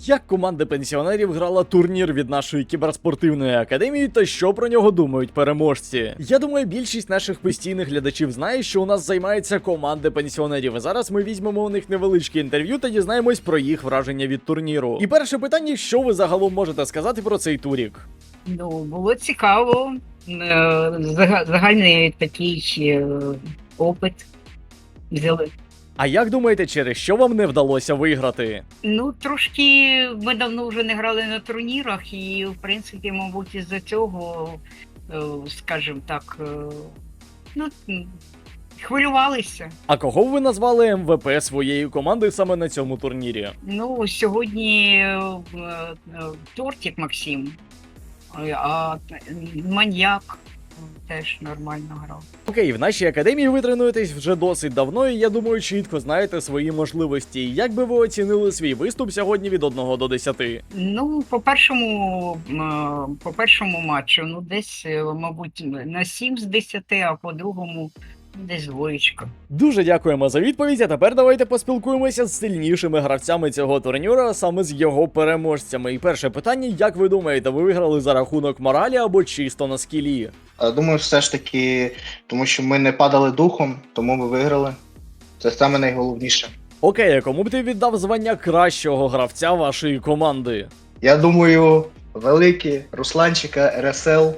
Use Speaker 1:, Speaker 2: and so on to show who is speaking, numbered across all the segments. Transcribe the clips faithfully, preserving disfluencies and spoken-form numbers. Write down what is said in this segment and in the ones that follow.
Speaker 1: як команда пенсіонерів грала турнір від нашої кіберспортивної академії та що про нього думають переможці. Я думаю, більшість наших постійних глядачів знає, що у нас займається команда пенсіонерів. І зараз ми візьмемо у них невеличке інтерв'ю та дізнаємось про їх враження від турніру. І перше питання, що ви загалом можете сказати про цей турік?
Speaker 2: Ну, було цікаво. Е, зага- Загальний такий е, опит взяли.
Speaker 1: А як думаєте, через що вам не вдалося виграти?
Speaker 2: Ну, трошки ми давно вже не грали на турнірах, і, в принципі, мабуть, із-за цього, е, скажімо так, е, ну, м, хвилювалися.
Speaker 1: А кого ви назвали ем ве пе своєї команди саме на цьому турнірі?
Speaker 2: Ну, сьогодні е, е, Тортик Максим, е, а маньяк теж нормально грав.
Speaker 1: Окей, в нашій академії ви тренуєтесь вже досить давно, і я думаю, чітко знаєте свої можливості. Як би ви оцінили свій виступ сьогодні від одного до десяти?
Speaker 2: Ну, по першому, е, по першому матчу, ну, десь, е, мабуть, на сім з десяти, а по другому десь двоєчка.
Speaker 1: Дуже дякуємо за відповідь, а тепер давайте поспілкуємося з сильнішими гравцями цього турніру, а саме з його переможцями. І перше питання, як ви думаєте, ви виграли за рахунок моралі або чисто на скілі?
Speaker 3: Е, Думаю, все ж таки, тому що ми не падали духом, тому ми виграли. Це саме найголовніше.
Speaker 1: Окей, а кому б ти віддав звання кращого гравця вашої команди?
Speaker 3: Я думаю, великий Русланчика, ер ес ел.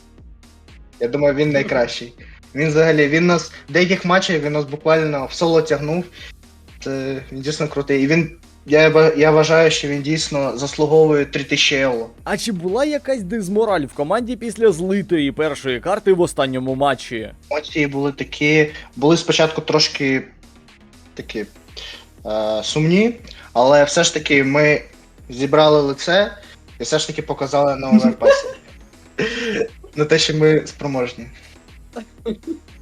Speaker 3: Я думаю, він найкращий. Він взагалі, він нас в деяких матчах він нас буквально в соло тягнув. Це він дійсно крутий. І він, я, ба- я вважаю, що він дійсно заслуговує три тисячі євро.
Speaker 1: А чи була якась дизмораль в команді після злитої першої карти в останньому матчі?
Speaker 3: Емоції були такі, були спочатку трошки такі е, сумні, але все ж таки ми зібрали лице і все ж таки показали на оверпасі. На те, що ми спроможні.